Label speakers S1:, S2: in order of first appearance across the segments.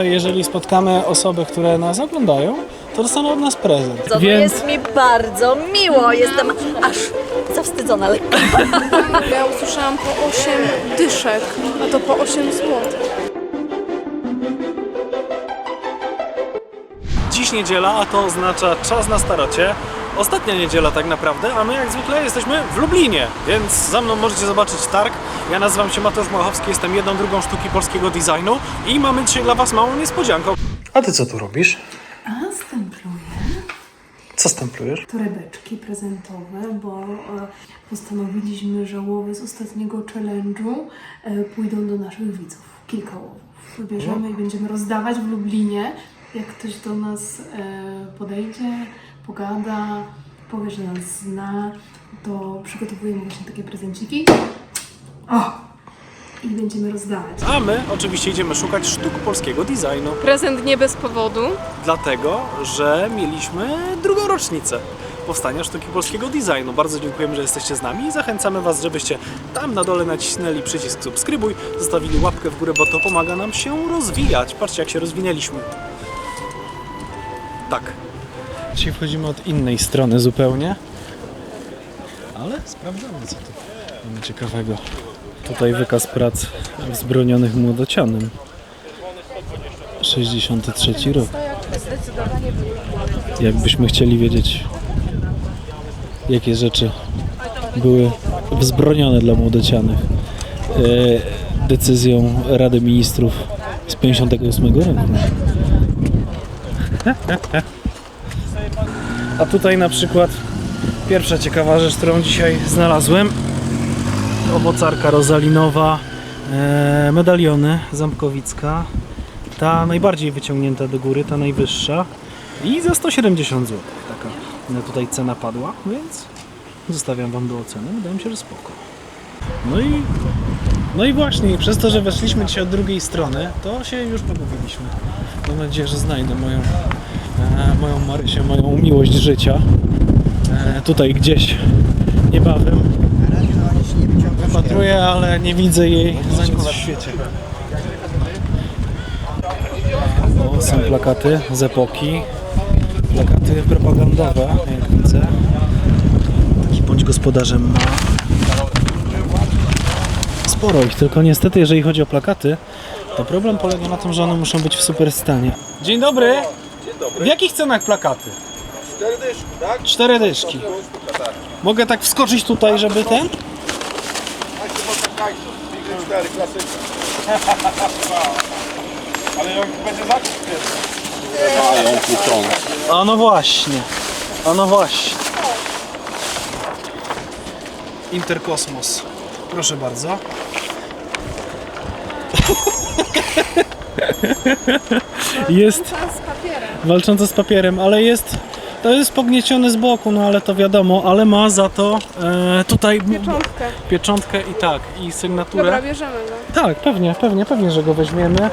S1: Jeżeli spotkamy osoby, które nas oglądają, to dostaną od nas prezent.
S2: To jest mi bardzo miło, jestem aż zawstydzona lekko.
S3: Ja usłyszałam po 8 dyszek, a to po 8 zł.
S1: Dziś niedziela, a to oznacza czas na starocie. Ostatnia niedziela tak naprawdę, a my jak zwykle jesteśmy w Lublinie, więc za mną możecie zobaczyć targ. Ja nazywam się Mateusz Małachowski, jestem jedną drugą sztuki polskiego designu i mamy dzisiaj dla Was małą niespodziankę. A Ty co tu robisz?
S3: A stempluję
S1: Co stemplujesz?
S3: torebeczki prezentowe, bo postanowiliśmy, że łowy z ostatniego challenge'u pójdą do naszych widzów. Kilka łowów wybierzemy i będziemy rozdawać w Lublinie. Jak ktoś do nas podejdzie, pogada, powie, że nas zna, to przygotowujemy właśnie takie prezenciki. I będziemy rozdawać.
S1: A my oczywiście idziemy szukać sztuk polskiego designu.
S3: Prezent nie bez powodu.
S1: Dlatego, że mieliśmy drugą rocznicę powstania sztuki polskiego designu. Bardzo dziękujemy, że jesteście z nami i zachęcamy Was, żebyście tam na dole nacisnęli przycisk subskrybuj, zostawili łapkę w górę, bo to pomaga nam się rozwijać. Patrzcie, jak się rozwinęliśmy. Tak. Dzisiaj wchodzimy od innej strony zupełnie, ale sprawdzamy, co tu mamy ciekawego. Tutaj wykaz prac wzbronionych młodocianem. 63 rok. Jakbyśmy chcieli wiedzieć, jakie rzeczy były wzbronione dla młodocianych decyzją Rady Ministrów z 58 roku. A tutaj na przykład pierwsza ciekawa rzecz, którą dzisiaj znalazłem. Owocarka rozalinowa, medaliony Ząbkowicka. Ta najbardziej wyciągnięta do góry, ta najwyższa. I za 170 zł taka tutaj cena padła, więc zostawiam Wam do oceny. Wydaje mi się, że spoko. No i właśnie, przez to, że weszliśmy dzisiaj od drugiej strony, to się już pogubiliśmy. Mam nadzieję, że znajdę moją Marysię, moją miłość życia. Tutaj gdzieś niebawem. Wypatruję, ale nie widzę jej za nic w świecie. O, są plakaty z epoki. Plakaty propagandowe, jak widzę. Taki bądź gospodarzem ma. Sporo ich, tylko niestety, jeżeli chodzi o plakaty, to problem polega na tym, że one muszą być w super stanie. Dzień dobry. Dzień dobry. W jakich cenach plakaty?
S4: 4 dyszki, tak?
S1: 4 dyszki. Mogę tak wskoczyć tutaj, żeby ten?
S4: Big 4, klasyczny. Ale jak będzie zakup
S1: A no właśnie. A no właśnie. Interkosmos. Proszę bardzo. Jest walcząca z papierem, ale to jest pognieciony z boku, no ale to wiadomo, ale ma za to tutaj pieczątkę i sygnaturę.
S3: Dobra, bierzemy go.
S1: Tak, pewnie, że go weźmiemy.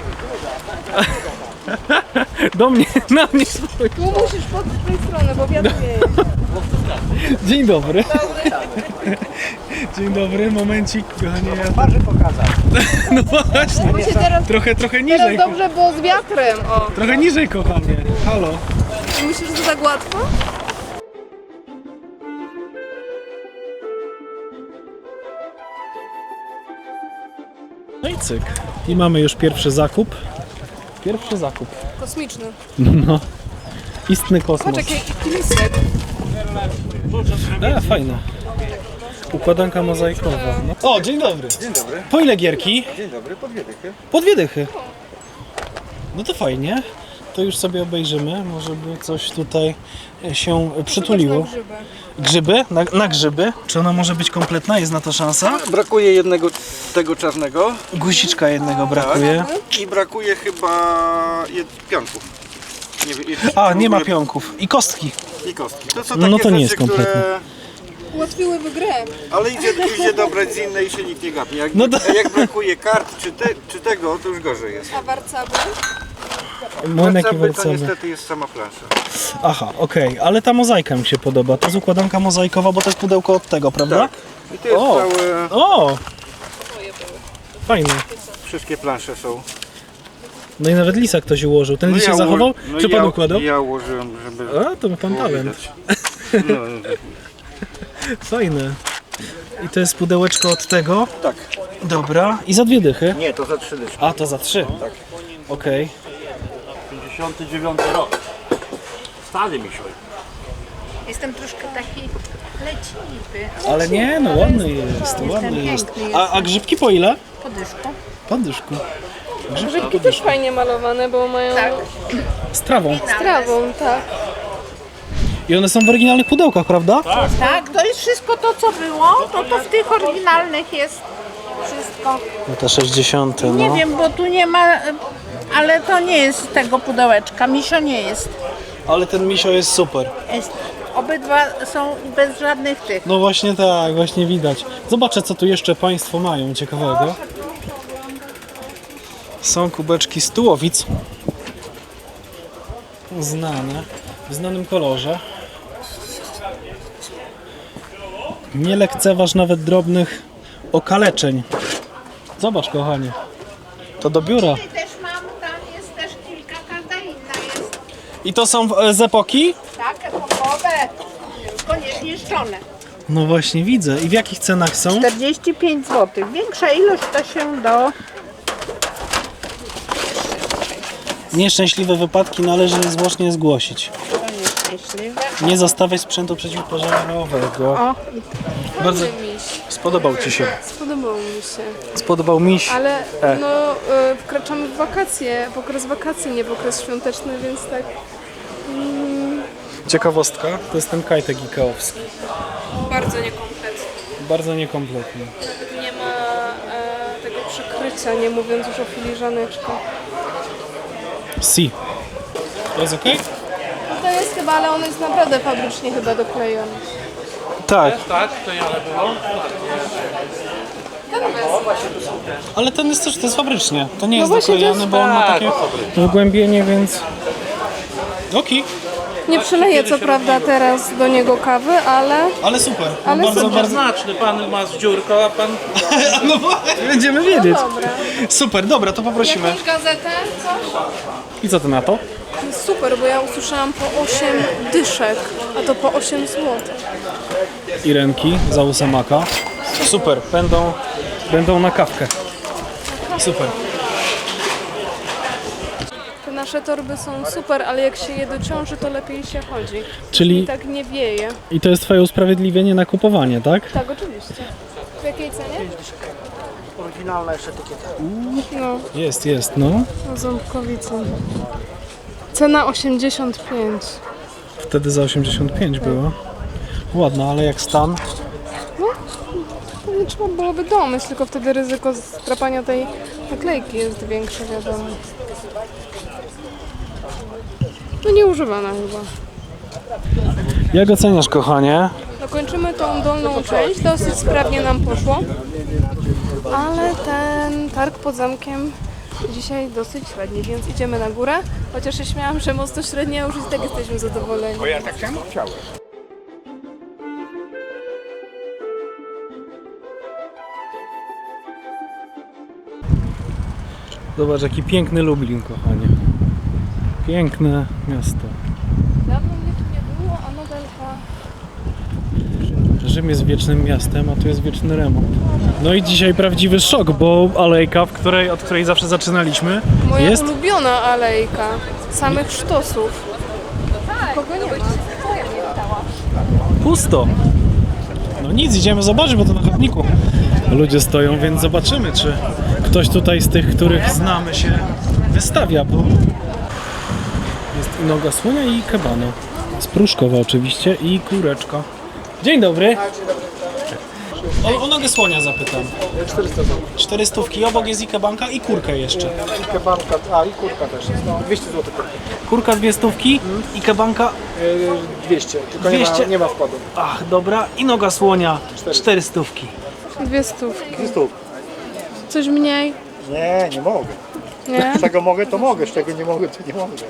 S1: Do mnie, na mnie.
S3: Tu musisz pod tej strony, bo wiatr wieje.
S1: Dzień dobry. Dzień dobry, momencik, kochanie.
S4: Twarzy pokazać.
S1: No właśnie.
S3: Musicie teraz,
S1: Trochę niżej.
S3: teraz dobrze, bo z wiatrem. O.
S1: Trochę niżej, kochanie. Halo.
S3: I myślisz, że to tak łatwo?
S1: No i cyk. I mamy już pierwszy zakup.
S3: Kosmiczny.
S1: No. Istny kosmos.
S3: Patrz, jaki lisek.
S1: Fajne. Układanka mozaikowa. No. O, dzień dobry.
S4: Dzień dobry.
S1: Po ile gierki?
S4: Dzień dobry, po 2 dychy.
S1: Po 2 dychy. No to fajnie. To już sobie obejrzymy. Może by coś tutaj się przytuliło. Grzyby? Na grzyby? Czy ona może być kompletna? Jest na to szansa?
S4: Brakuje jednego tego czarnego.
S1: Guziczka jednego brakuje.
S4: I brakuje chyba pionków.
S1: Nie ma pionków. I kostki.
S4: I kostki. To są
S1: No
S4: takie
S1: to nie
S4: rzeczy,
S1: jest kompletne.
S4: które...
S3: Ułatwiłyby grę.
S4: Ale idzie dobrać z innej i się nikt nie gapi. Jak,
S1: No to-
S4: jak brakuje kart czy tego, to już gorzej jest.
S3: A warcaby?
S1: Młynek i
S4: To
S1: wercemy.
S4: niestety jest sama plansza.
S1: Aha, okej, ale ta mozaika mi się podoba. To jest układanka mozaikowa, bo to jest pudełko od tego, prawda?
S4: Tak. I to jest
S1: O!
S4: całe...
S1: O! Fajne.
S4: Wszystkie plansze są.
S1: No i nawet lisa ktoś ułożył. Ten lis się zachował? Czy pan układał?
S4: Ja ułożyłem, żeby...
S1: A, to ma pan talent.
S4: No,
S1: Fajne. I to jest pudełeczko od tego?
S4: tak.
S1: Dobra. I za 2 dychy?
S4: Nie, to za 3 dyszki.
S1: A, to za 3?
S4: Tak.
S1: Okej.
S5: 59 rok. Stary misioj.
S2: Jestem troszkę taki leciwy.
S1: Ale nie, no ładny jest, ładny jest.
S2: piękny
S1: A grzybki po ile?
S2: Podyszką.
S1: Po dyszku.
S3: Grzybki też fajnie malowane, bo mają
S2: Tak.
S1: Z trawą.
S3: trawą, tak.
S1: I one są w oryginalnych pudełkach, prawda?
S6: Tak, to jest wszystko to, co było, to w tych oryginalnych jest wszystko.
S1: No te 60, no.
S6: Nie wiem, bo tu nie ma, ale to nie jest z tego pudełeczka, misio nie jest.
S1: Ale ten misio jest super.
S6: Obydwa są bez żadnych tych.
S1: No właśnie tak, właśnie widać. Zobaczę, co tu jeszcze Państwo mają ciekawego. Są kubeczki z tułowic. Znane. W znanym kolorze. Nie lekceważ nawet drobnych okaleczeń. Zobacz, kochanie. To do biura.
S6: Też mam, tam jest też kilka, każda inna jest.
S1: I to są z epoki?
S6: Tak, epokowe, tylko niezniszczone.
S1: No właśnie widzę. I w jakich cenach są?
S6: 45 zł. Większa ilość to się do...
S1: Nieszczęśliwe wypadki należy niezwłocznie zgłosić.
S6: nieszczęśliwe.
S1: Nie zostawiać sprzętu przeciwpożarowego.
S6: O,
S1: Bardzo spodobał Ci się.
S3: Spodobało mi się.
S1: Spodobał miś.
S3: Ale no, wkraczamy w wakacje, w okres wakacji, nie w okres świąteczny, więc tak.
S1: Ciekawostka, to jest ten kajtek ikeowski.
S3: Bardzo niekompletny.
S1: Bardzo niekompletny.
S3: Nie ma tego przykrycia, nie mówiąc już o filiżaneczkach.
S1: Si. To jest okej?
S3: No to jest chyba, ale on jest naprawdę fabrycznie chyba doklejony.
S1: Tak,
S5: Tak, to ja było.
S1: ale ten jest też, to jest fabrycznie. To nie jest
S3: właśnie
S1: doklejony,
S3: to jest-
S1: bo on ma takie wgłębienie, więc... Okej,
S3: Nie przeleję co prawda teraz do niego kawy, ale
S1: super.
S3: Ale
S1: bardzo,
S3: super.
S1: bardzo...
S5: Znaczny, pan ma z dziurką, a pan...
S1: No właśnie, będziemy wiedzieć.
S3: dobra.
S1: Super, dobra, to poprosimy.
S3: Jakąś gazetę, coś?
S1: I co ty na to?
S3: Jest super, bo ja usłyszałam po 8 dyszek, a to po 8 zł.
S1: I ręki za ósemaka. Super, będą na kawkę. Super.
S3: Te nasze torby są super, ale jak się je dociąży, to lepiej się chodzi. I
S1: Czyli
S3: tak nie wieje.
S1: i to jest twoje usprawiedliwienie na kupowanie, tak?
S3: Tak, oczywiście. W jakiej cenie?
S5: Oryginalna jeszcze etykieta.
S3: No,
S1: Jest, no.
S3: na ząbkowicy. Cena 85.
S1: Wtedy za 85 było. Ładna, ale jak stan.
S3: Pewnie trzeba byłoby domyśl, tylko wtedy ryzyko strapania tej naklejki jest większe, wiadomo. No nieużywana chyba.
S1: Jak oceniasz, kochanie?
S3: Dokończymy tą dolną część, dosyć sprawnie nam poszło. Ale ten targ pod zamkiem dzisiaj dosyć średni, więc idziemy na górę. Chociaż się śmiałam, że mocno średnia, już i tak jesteśmy zadowoleni.
S4: Ja tak samo chciałem.
S1: Zobacz, jaki piękny Lublin, kochanie. Piękne miasto.
S3: Dawno mnie tu nie było, a modelka...
S1: Rzym jest wiecznym miastem, a tu jest wieczny remont. No i dzisiaj prawdziwy szok, bo alejka, od której zawsze zaczynaliśmy,
S3: Moja
S1: jest...
S3: ulubiona alejka. Samych sztosów. Kogo nie ma?
S1: pusto. No nic, idziemy zobaczyć, bo to na chodniku ludzie stoją, więc zobaczymy, czy ktoś tutaj z tych, których znamy, się wystawia, bo jest i noga słonia, i kebano. Z Pruszkowa oczywiście, i kureczka. Dzień dobry. O nogę słonia zapytam.
S7: 400 zł.
S1: 400, obok jest i kebanka, i kurkę jeszcze.
S7: I kebanka, i kurka też jest. No, 200 zł.
S1: Kurka 200 i kebanka,
S7: 200, tylko
S1: 200.
S7: Nie ma wkładu.
S1: ach dobra, i noga słonia 400.
S3: 200.
S7: 200.
S3: Coś mniej?
S7: Nie mogę.
S3: Nie?
S7: Z czego mogę, to mogę. Z czego nie mogę, to nie mogę.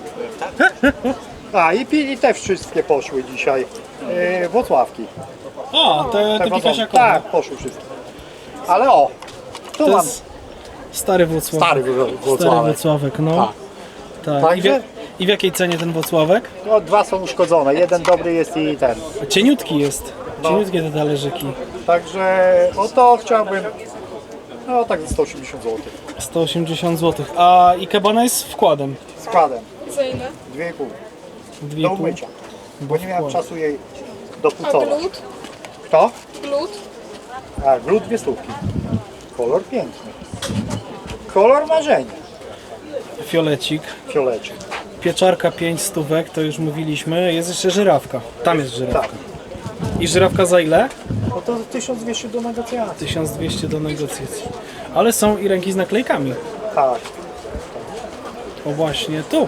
S7: I te wszystkie poszły dzisiaj. Włocławki.
S1: O, te
S7: wazony.
S1: pikasiakowe.
S7: Tak, poszły wszystkie. Ale tu
S1: To
S7: mam
S1: jest Stary Włocławek.
S7: Stary
S1: Stary
S7: Włocławek.
S1: Włocławek, no.
S7: Tak.
S1: Tak.
S7: Także-
S1: I w jakiej cenie ten Włocławek?
S7: No, dwa są uszkodzone, jeden dobry jest i ten.
S1: Cieniutki jest. Cieniutkie te talerzyki.
S7: Także o to chciałbym, no tak za 180 zł.
S1: 180 zł. A ikebana jest z wkładem.
S7: Składem.
S3: Za ile?
S7: 2,5 do
S1: 2,5.
S7: umycia. Bo nie miałem
S1: wkład.
S7: czasu jej
S3: A
S7: dopucować.
S3: glut?
S7: Kto?
S3: Glut?
S7: A, glut 2 stówki. Kolor piękny. Kolor marzenia.
S1: Fiolecik.
S7: Fiolecie.
S1: Pieczarka 5 stówek, to już mówiliśmy. Jest jeszcze żyrawka. Tam jest żyrawka.
S7: Tak.
S1: I żyrawka za ile?
S7: No to 1200 do negocjacji.
S1: 1200 do negocjacji. Ale są i ręki z naklejkami.
S7: Tak.
S1: O właśnie tu.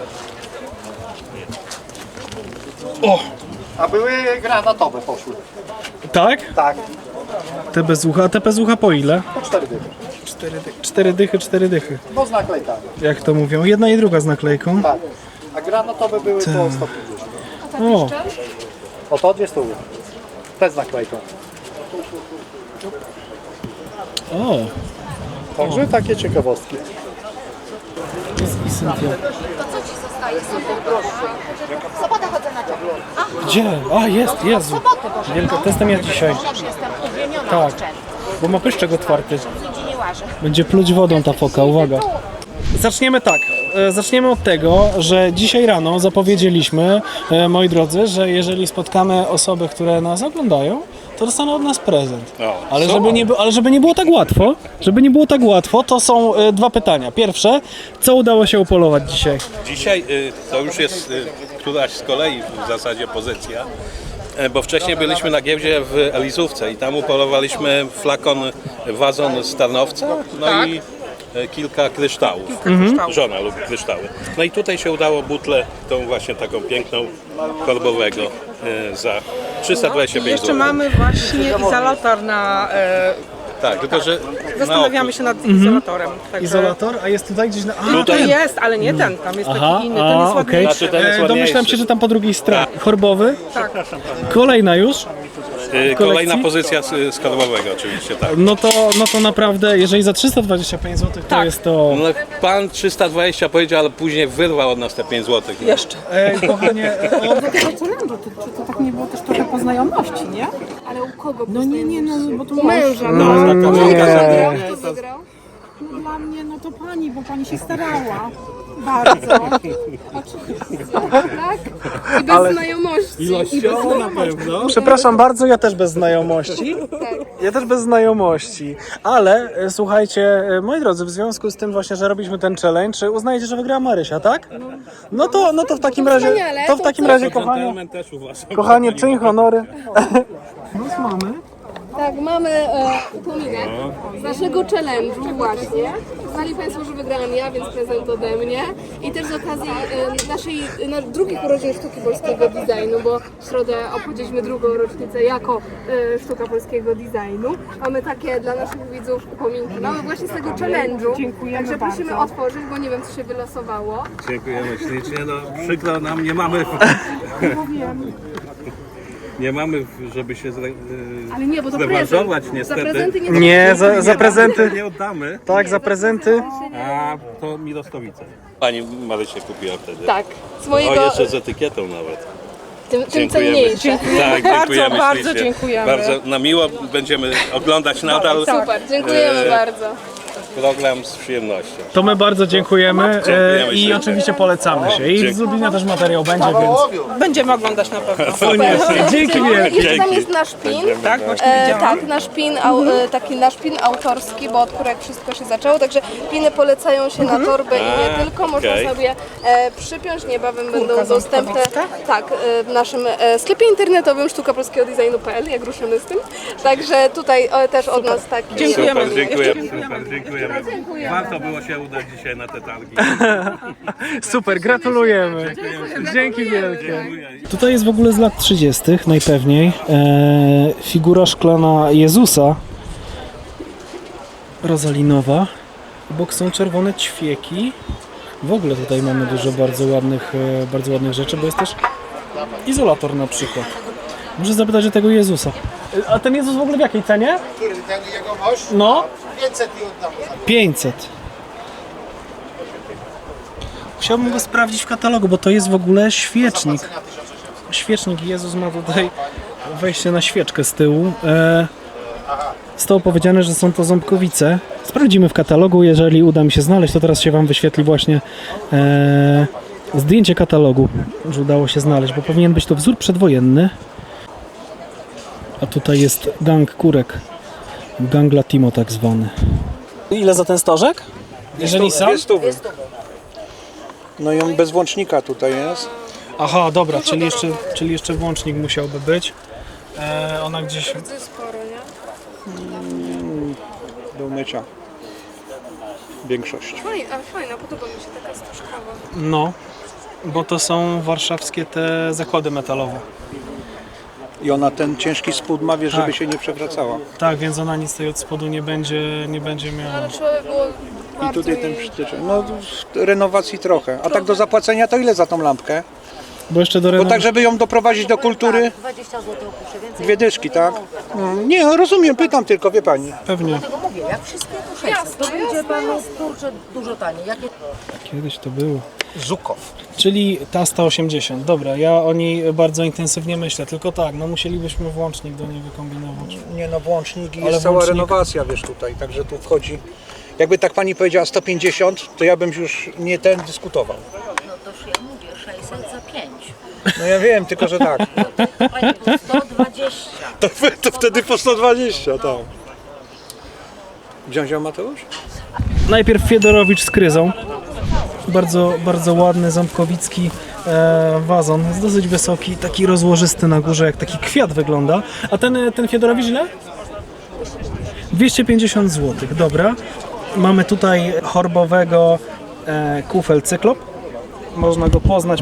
S1: O!
S7: A były granatowe poszły.
S1: Tak?
S7: Tak.
S1: Te bez ucha. A te bez ucha po ile?
S7: Po 4 dychy.
S1: 4 dychy, 4 dychy.
S7: Bo z naklejkami.
S1: Jak to mówią. Jedna i druga z naklejką.
S7: Tak. A granatowe były to 150.
S1: O!
S7: O to 2 stówy. Te z naklejką.
S1: O!
S7: Także takie ciekawostki.
S1: Jest i Cynthia.
S6: To co ci zostaje? W sobotę chodzę na ciągle.
S1: Gdzie? A, jest, Jezu.
S6: Soboty, Boże.
S1: Wielkotestem jak dzisiaj.
S6: Też jestem uwielbiona
S1: Tak.
S6: od czerwca.
S1: Bo ma pyszczek otwarty.
S6: Nigdzie nie łażę.
S1: Będzie pluć wodą ta foka, uwaga. Zaczniemy tak. Zaczniemy od tego, że dzisiaj rano zapowiedzieliśmy, moi drodzy, że jeżeli spotkamy osoby, które nas oglądają, to dostaną od nas prezent. Ale żeby nie było tak łatwo, to są dwa pytania. Pierwsze, co udało się upolować dzisiaj?
S8: Dzisiaj to już jest któraś z kolei w zasadzie pozycja, bo wcześniej byliśmy na giełdzie w Elizówce i tam upolowaliśmy wazon z Tarnowca, no i kilka kryształów. Żona lubi kryształy. No i tutaj się udało butlę, tą właśnie taką piękną, korbowego za 325
S9: Jeszcze
S8: zł.
S9: mamy właśnie izolator na...
S8: Tak, tylko że
S9: Zastanawiamy się nad izolatorem. Także
S1: Izolator, a jest tutaj gdzieś na... A,
S9: to
S1: ten.
S9: jest, ale nie ten, tam jest
S1: Aha,
S9: taki inny, ten jest
S1: okej.
S9: ładniejszy.
S8: Znaczy, ten jest
S1: Domyślam
S8: ładniejszy.
S1: się, że tam po drugiej stronie. Chorbowy?
S9: Tak.
S1: Kolejna już?
S8: kolejna pozycja z korbowego oczywiście, tak.
S1: No to naprawdę, jeżeli za 325 zł to
S9: Tak.
S1: jest to...
S8: No, pan 320 powiedział, ale później wyrwał od nas te 5 zł.
S9: Jeszcze.
S1: Kochanie,
S9: To tak nie było też trochę po znajomości, nie?
S3: Ale u kogo?
S9: No nie, no bo to
S3: Męża.
S8: Tak,
S3: Kto wygrał?
S9: No dla mnie, no to pani, bo pani się starała. Bardzo.
S3: Tak? I bez znajomości.
S8: na pewno.
S1: przepraszam bardzo, ja też bez znajomości.
S3: Tak.
S1: Ja też bez znajomości. Ale słuchajcie, moi drodzy, w związku z tym właśnie, że robiliśmy ten challenge, uznajecie, że wygrała Marysia, tak? No to w takim razie,
S3: wspaniale.
S1: to w takim razie, kochanie,
S8: Gentleman też uważam.
S1: kochanie, czyń honory. No mamy.
S3: Tak, mamy upominek z naszego challenge'u właśnie. Znali Państwo, że wygrałam ja, więc prezent ode mnie. I też z okazji drugich urodzin sztuki polskiego designu, bo w środę obchodziliśmy drugą rocznicę jako sztuka polskiego designu. Mamy takie dla naszych widzów upominki. Mamy właśnie z tego challenge'u.
S9: Dziękujemy
S3: Także prosimy
S9: bardzo.
S3: otworzyć, bo nie wiem, co się wylosowało.
S8: Dziękujemy ślicznie. No przykro nam, nie mamy... Nie mamy, żeby się
S3: Ale nie, bo to
S8: zrewanżować
S3: prezent.
S8: niestety.
S3: Za prezenty nie
S1: Nie, za prezenty.
S8: Nie oddamy,
S1: Tak, za prezenty.
S8: a to Mirostowice. Pani Marysia kupiła wtedy.
S3: Tak, z
S8: O,
S3: mojego,
S8: jeszcze z etykietą nawet.
S3: tym cenniejsze.
S8: Tak, dziękujemy
S9: bardzo
S8: ślicznie.
S9: dziękujemy.
S8: Bardzo na miło będziemy oglądać nadal
S3: Super, dziękujemy bardzo.
S8: program z przyjemnością.
S1: To my bardzo dziękujemy
S8: Dziękujemy
S1: i
S8: ślicznie.
S1: oczywiście polecamy się. I z Lublina też materiał będzie, więc
S9: Będziemy oglądać na pewno.
S1: dzięki wielkie.
S3: Jeszcze tam
S8: Dzięki.
S3: jest nasz pin.
S9: Tak, właśnie widziałam.
S3: Tak, taki nasz pin autorski, bo od którego wszystko się zaczęło, także piny polecają się na torbę i nie tylko, można
S8: okej.
S3: sobie przypiąć, niebawem będą dostępne w naszym sklepie internetowym sztukapolskiegodesignu.pl, jak ruszymy z tym, także tutaj też od nas taki
S9: Dziękujemy.
S8: Super, dziękujemy. Warto było się udać dzisiaj na te targi.
S1: Super, gratulujemy. Dzięki wielkie.
S8: Dziękuję.
S1: Tutaj jest w ogóle z lat 30. najpewniej figura szklana Jezusa rozalinowa. Obok są czerwone ćwieki. W ogóle tutaj mamy dużo bardzo ładnych rzeczy, bo jest też izolator na przykład. Muszę zapytać o tego Jezusa. A ten Jezus w ogóle w jakiej cenie?
S7: Który ten jegomość?
S1: No,
S7: 500 i oddam.
S1: 500. Chciałbym go sprawdzić w katalogu, bo to jest w ogóle świecznik. Świecznik, Jezus ma tutaj wejście na świeczkę z tyłu. Zostało powiedziane, że są to ząbkowice. Sprawdzimy w katalogu, jeżeli uda mi się znaleźć, to teraz się Wam wyświetli właśnie zdjęcie katalogu, że udało się znaleźć, bo powinien być to wzór przedwojenny. A tutaj jest gang kurek. Gang Latimo tak zwany. Ile za ten stożek? Jeżeli sam?
S7: 200. No i on bez włącznika tutaj jest.
S1: Aha, dobra, czyli jeszcze włącznik musiałby być. Ona gdzieś...
S7: Do umycia. Większość.
S3: Ale fajna, podoba mi się taka stożkowa.
S1: No, bo to są warszawskie te zakłady metalowe.
S7: I ona ten ciężki spód ma, wiesz,
S1: Tak.
S7: żeby się nie przewracała.
S1: Tak, więc ona nic tej od spodu nie będzie miała.
S3: Trzeba by było
S7: I tutaj ten przytyczek. No renowacji trochę. A tak do zapłacenia to ile za tą lampkę?
S1: Bo jeszcze do
S7: Bo
S1: renowacji...
S7: tak, żeby ją doprowadzić do kultury,
S2: 20 zł opuszczę, więcej
S7: 2 dyszki, tak? Nie, no rozumiem, pytam tylko, wie pani.
S1: Pewnie.
S2: tego mówię, jak wszystkie to 600, to będzie panu kurczę dużo taniej. Jakie...
S1: Kiedyś to było.
S7: Zukow.
S1: Czyli ta 180. Dobra, ja o niej bardzo intensywnie myślę. Tylko tak, no musielibyśmy włącznik do niej wykombinować.
S7: Nie no, włącznik i
S1: Ale
S7: jest cała
S1: włącznik-
S7: renowacja, wiesz, tutaj, także tu wchodzi. Jakby tak pani powiedziała 150, to ja bym już nie ten dyskutował.
S2: No to ja mówię, 600 za 5.
S7: No ja wiem, tylko że tak.
S2: Pani, to 120.
S7: To wtedy po 120, tak. Wziął Mateusz?
S1: Najpierw Fiedorowicz z kryzą. Bardzo ładny, ząbkowicki wazon. Jest dosyć wysoki, taki rozłożysty na górze, jak taki kwiat wygląda. A ten Fiedorowicz ile? 250 zł, dobra. Mamy tutaj chorbowego kufel cyklop. Można go poznać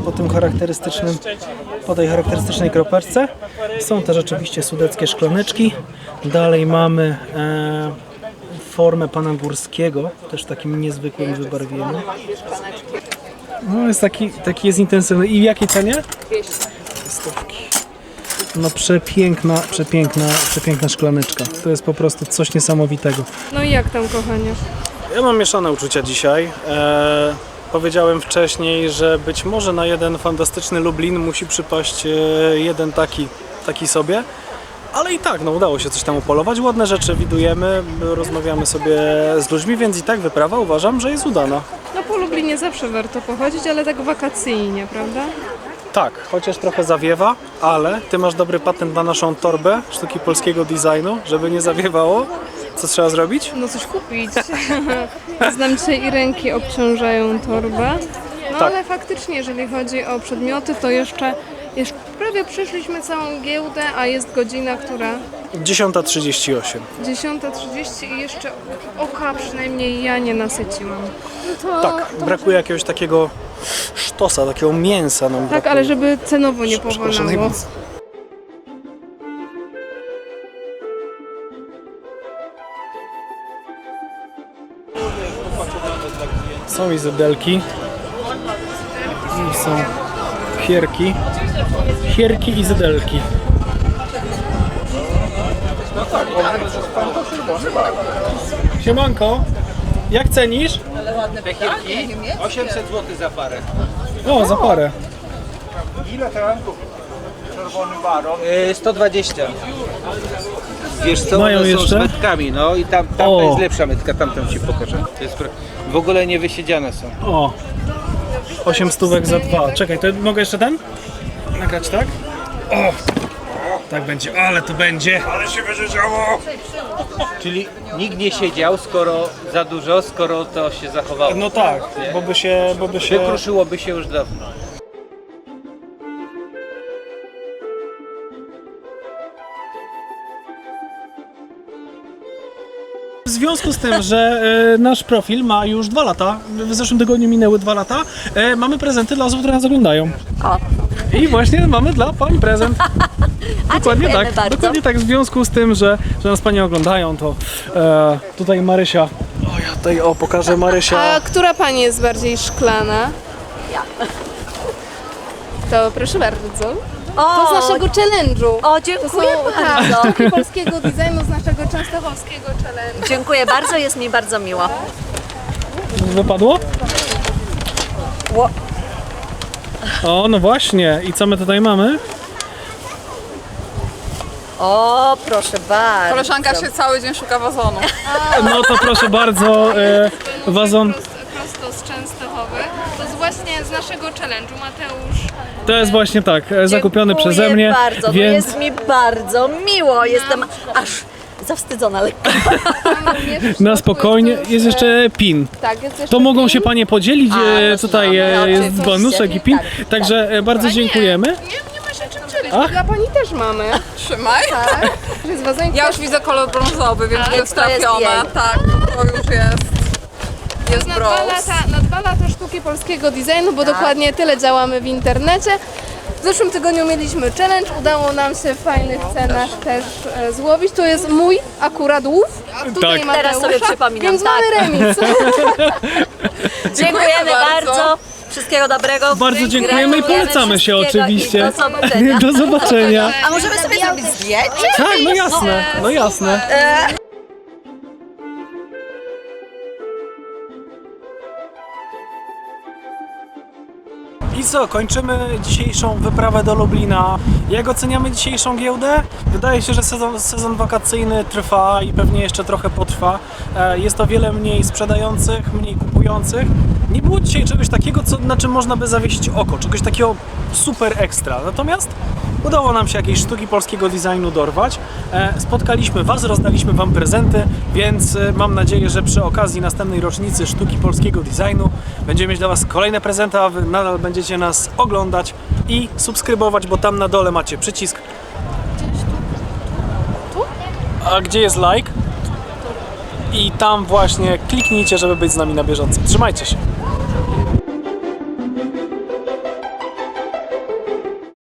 S1: po tej charakterystycznej kropeczce. Są też oczywiście sudeckie szklaneczki. Dalej mamy formę pana Górskiego, też w takim niezwykłym wybarwieniu. No jest taki jest intensywny. I w jakiej cenie? 200. Stówki. No przepiękna szklaneczka. To jest po prostu coś niesamowitego.
S3: No i jak tam, kochanie?
S1: Ja mam mieszane uczucia dzisiaj. Powiedziałem wcześniej, że być może na jeden fantastyczny Lublin musi przypaść jeden taki sobie. Ale i tak, no udało się coś tam upolować. Ładne rzeczy widujemy, rozmawiamy sobie z ludźmi, więc i tak wyprawa uważam, że jest udana.
S3: No po Lublinie zawsze warto pochodzić, ale tak wakacyjnie, prawda?
S1: Tak, chociaż trochę zawiewa, ale ty masz dobry patent na naszą torbę sztuki polskiego designu, żeby nie zawiewało. Co trzeba zrobić?
S3: No coś kupić. Znam dzisiaj i ręki obciążają torbę. No
S1: Tak.
S3: ale faktycznie, jeżeli chodzi o przedmioty, to jeszcze prawie przeszliśmy całą giełdę, a jest godzina, która
S1: 10:38.
S3: 10:30 i jeszcze oka przynajmniej ja nie nasyciłam. No to,
S1: Tak, brakuje jakiegoś takiego sztosa, takiego mięsa nam
S3: tak,
S1: brakuje.
S3: ale żeby cenowo nie
S1: Przepraszam
S3: powalało.
S1: najmocniej. Są izodelki. I są hierki. Hierki i zydelki. Siemanko, jak cenisz?
S5: 800 zł za parę.
S1: O, za parę.
S7: Ile ten czerwony baron?
S5: 120. Wiesz co,
S1: Mają
S5: one są
S1: jeszcze?
S5: z metkami, no i tamta
S1: O.
S5: jest lepsza metka, tamtą ci pokażę. To jest w ogóle nie wysiedziane są.
S1: O, 8 stówek za 2. Czekaj, to mogę jeszcze ten? Nagrać, tak? O, tak będzie, ale to będzie.
S7: Ale się będzie działo!
S5: Czyli nikt nie siedział, skoro za dużo, skoro to się zachowało.
S1: No tak, bo by się...
S5: Wykruszyłoby się już dawno.
S1: W związku z tym, że nasz profil ma już 2 lata, w zeszłym tygodniu minęły 2 lata, mamy prezenty dla osób, które nas oglądają.
S2: O.
S1: I właśnie mamy dla pań prezent. Dokładnie
S2: dziękujemy
S1: tak,
S2: bardzo.
S1: dokładnie tak. W związku z tym, że nas panie oglądają, to tutaj Marysia. O, ja tutaj pokażę Marysia.
S3: A która pani jest bardziej szklana?
S2: Ja.
S3: To proszę bardzo.
S2: O,
S3: To z naszego challenge'u.
S2: o,
S3: To są
S2: dziękuję bardzo.
S3: sztuki polskiego designu z naszego częstochowskiego challenge'u.
S2: Dziękuję bardzo, jest mi bardzo miło.
S1: Wypadło? O, no właśnie. I co my tutaj mamy?
S2: O, proszę bardzo.
S6: Koleżanka się cały dzień szuka wazonu.
S1: No to proszę bardzo, wazon.
S3: Prosto z Częstochowy. To jest właśnie z naszego challenge'u, Mateusz.
S1: To jest właśnie tak, zakupiony
S2: Dziękuję
S1: przeze mnie,
S2: bardzo, no
S1: więc
S2: jest mi bardzo miło. Jestem aż zawstydzona lekko.
S1: na spokojnie. Jest jeszcze PIN.
S3: Tak, jest jeszcze
S1: To mogą się panie podzielić, tutaj
S2: no,
S1: jest
S2: oczywiście.
S1: bonuszek i PIN,
S2: Tak,
S1: także bardzo dziękujemy.
S3: Nie ma się czym dzielić.
S1: Ach.
S3: Dla pani też mamy.
S6: Trzymaj.
S3: Że jest wazonik.
S6: Ja już widzę kolor brązowy, więc to jest
S2: to jest
S6: trafione.
S2: jej.
S6: Tak, to już jest. Jest
S3: na
S6: brąz.
S3: na 2 lata sztuki polskiego designu, bo dokładnie tyle działamy w internecie. W zeszłym tygodniu mieliśmy challenge, udało nam się w fajnych cenach też złowić. To jest mój akurat łów, tutaj
S1: Tak.
S3: Mateusza,
S2: Teraz sobie przypominam,
S3: więc
S2: tak.
S3: mamy remis.
S2: Dziękujemy bardzo. Wszystkiego dobrego.
S1: Bardzo dziękujemy i polecamy się
S2: wszystkiego
S1: oczywiście.
S2: I do zobaczenia.
S1: Do zobaczenia.
S2: A możemy sobie zrobić zdjęcie?
S1: Tak, no jasne, no jasne. I co, kończymy dzisiejszą wyprawę do Lublina. Jak oceniamy dzisiejszą giełdę? Wydaje się, że sezon wakacyjny trwa i pewnie jeszcze trochę potrwa. Jest o wiele mniej sprzedających, mniej kupujących. Nie było dzisiaj czegoś takiego, na czym można by zawiesić oko, czegoś takiego super ekstra. Natomiast udało nam się jakieś sztuki polskiego designu dorwać. Spotkaliśmy Was, rozdaliśmy Wam prezenty, więc mam nadzieję, że przy okazji następnej rocznicy sztuki polskiego designu będziemy mieć dla Was kolejne prezenty, a Wy nadal będziecie nas oglądać i subskrybować, bo tam na dole macie przycisk. A gdzie jest like? I tam właśnie kliknijcie, żeby być z nami na bieżąco. Trzymajcie się!